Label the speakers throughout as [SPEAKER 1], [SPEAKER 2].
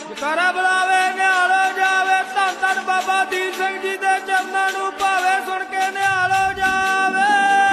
[SPEAKER 1] ਜਕਾਰਾ ਬੁਲਾਵੇ ਨਿਹਾਲੋ ਜਾਵੇ ਧੰਨ ਧੰਨ ਬਾਬਾ ਦੀਪ ਸਿੰਘ ਜੀ ਦੇ ਚਰਨਾਂ ਨੂੰ ਭਾਵੇ ਸੁਣ ਕੇ ਨਿਹਾਲੋ ਜਾਵੇ।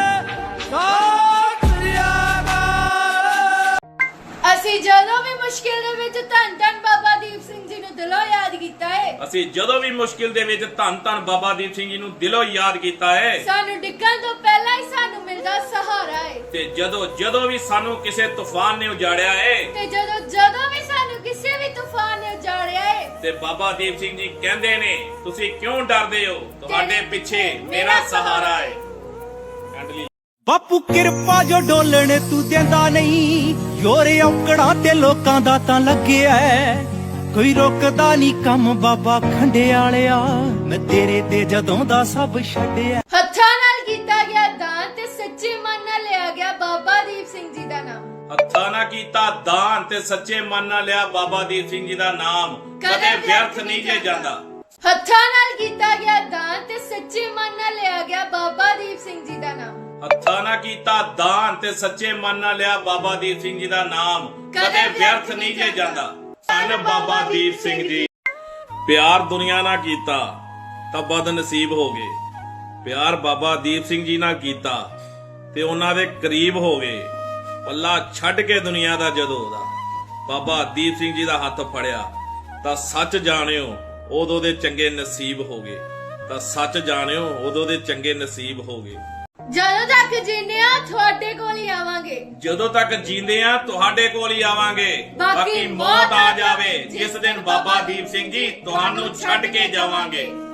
[SPEAKER 1] ਸਤਿ ਸ੍ਰੀ ਅਕਾਲ।
[SPEAKER 2] ਅਸੀਂ ਜਦੋਂ ਵੀ ਮੁਸ਼ਕਿਲ ਦੇ ਵਿੱਚ ਧੰਨ ਧੰਨ ਬਾਬਾ ਦੀਪ ਸਿੰਘ ਜੀ ਨੂੰ ਦਿਲੋਂ ਯਾਦ ਕੀਤਾ ਹੈ।
[SPEAKER 3] ਅਸੀਂ ਜਦੋਂ ਵੀ ਮੁਸ਼ਕਿਲ ਦੇ ਵਿੱਚ ਧੰਨ ਧੰਨ ਬਾਬਾ ਦੀਪ ਸਿੰਘ ਜੀ ਨੂੰ ਦਿਲੋਂ ਯਾਦ ਕੀਤਾ ਹੈ।
[SPEAKER 2] ਸਾਨੂੰ ਡਿੱਗਣ ਤੋਂ ਪਹਿਲਾਂ ਹੀ ਸਾਨੂੰ ਮਿਲਦਾ ਸਹਾਰਾ ਹੈ।
[SPEAKER 3] ਤੇ ਜਦੋਂ ਵੀ ਸਾਨੂੰ ਕਿਸੇ ਤੂਫਾਨ ਨੇ ਉਜਾੜਿਆ ਹੈ,
[SPEAKER 2] ਤੇ ਜਦੋਂ ਵੀ ਸਾਨੂੰ ਕਿਸੇ ਵੀ ਤੂਫਾਨ ਨੇ ਉਜਾੜਿਆ ਹੈ,
[SPEAKER 3] ਤੇ ਬਾਬਾ ਦੀਪ ਸਿੰਘ ਜੀ ਕਹਿੰਦੇ ਨੇ ਤੁਸੀਂ ਕਿਉਂ ਡਰਦੇ ਹੋ, ਤੁਹਾਡੇ ਪਿੱਛੇ ਮੇਰਾ ਸਹਾਰਾ ਹੈ। ਐਂਡਲੀ
[SPEAKER 4] ਬਾਪੂ ਕਿਰਪਾ ਜੋ ਡੋਲਣ ਤੂੰ ਦਿੰਦਾ ਨਹੀਂ, ਯੋਰੇ ਔਕੜਾਂ ਤੇ ਲੋਕਾਂ ਦਾ ਤਾਂ ਲੱਗਿਆ ਕੋਈ ਰੁਕਦਾ ਨਹੀਂ ਕੰਮ ਬਾਬਾ ਖੰਡੇ ਵਾਲਿਆ, ਮੈਂ ਤੇਰੇ ਤੇ ਜਦੋਂ ਦਾ ਸਭ ਛੱਡਿਆ।
[SPEAKER 2] ਹੱਥਾਂ ਨਾਲ ਕੀਤਾ ਗਿਆ ਦਾਨ ਤੇ ਸੱਚੇ ਮਨ ਨਾਲ ਲਿਆ ਗਿਆ ਬਾਬਾ ਦੀਪ ਸਿੰਘ ਜੀ ਦਾ ਨਾਮ।
[SPEAKER 3] ਹੱਥਾਂ ਨਾਲ ਕੀਤਾ ਦਾਨ ਤੇ ਸੱਚੇ ਮਨ ਨਾਲ ਲਿਆ ਬਾਬਾ ਦੀਪ ਸਿੰਘ ਜੀ ਦਾ ਨਾਮ, ਕਦੇ ਵਿਅਰਥ ਨਹੀਂ ਜੇ ਜਾਂਦਾ।
[SPEAKER 2] ਹੱਥਾਂ ਨਾਲ ਕੀਤਾ ਗਿਆ ਦਾਨ ਤੇ ਸੱਚੇ ਮਨ ਨਾਲ ਲਿਆ ਗਿਆ ਬਾਬਾ ਦੀਪ ਸਿੰਘ ਜੀ ਦਾ ਨਾਮ।
[SPEAKER 3] ਹੱਥਾਂ ਨਾਲ ਕੀਤਾ ਦਾਨ ਤੇ ਸੱਚੇ ਮਨ ਨਾਲ ਲਿਆ ਬਾਬਾ ਦੀਪ ਸਿੰਘ ਜੀ ਦਾ ਨਾਮ, ਕਦੇ ਵਿਅਰਥ ਨਹੀਂ ਜੇ ਜਾਂਦਾ। ਧੰਨ ਬਾਬਾ ਦੀਪ ਸਿੰਘ ਜੀ। ਪਿਆਰ ਦੁਨੀਆ ਨਾਲ ਕੀਤਾ ਤਾਂ ਬਦ ਨਸੀਬ ਹੋ ਗਏ, ਪਿਆਰ ਬਾਬਾ ਦੀਪ ਸਿੰਘ ਜੀ ਨਾਲ ਕੀਤਾ ਤੇ ਉਹਨਾਂ ਦੇ ਕਰੀਬ ਹੋ ਗਏ। ਪੱਲਾ ਛੱਡ ਕੇ ਦੁਨੀਆ ਦਾ ਜਦੋਂ ਉਹਦਾ ਬਾਬਾ ਦੀਪ ਸਿੰਘ ਜੀ ਦਾ ਹੱਥ ਫੜਿਆ ਤਾਂ ਸੱਚ ਜਾਣਿਓ ਉਦੋਂ ਦੇ ਚੰਗੇ ਨਸੀਬ ਹੋ ਗਏ, ਤਾਂ ਸੱਚ ਜਾਣਿਓ ਉਦੋਂ ਦੇ ਚੰਗੇ ਨਸੀਬ ਹੋ ਗਏ।
[SPEAKER 2] ਜਦੋਂ ਤੱਕ ਜੀਨੇ ਆ ਤੁਹਾਡੇ ਕੋਲ ਹੀ ਆਵਾਂਗੇ,
[SPEAKER 3] ਜਦੋਂ ਤੱਕ ਜੀਂਦੇ ਆ ਤੁਹਾਡੇ ਕੋਲ ਹੀ ਆਵਾਂਗੇ। ਬਾਕੀ ਮੌਤ ਆ ਜਾਵੇ ਜਿਸ ਦਿਨ ਬਾਬਾ ਦੀਪ ਸਿੰਘ ਜੀ ਤੁਹਾਨੂੰ ਛੱਡ ਕੇ ਜਾਵਾਂਗੇ।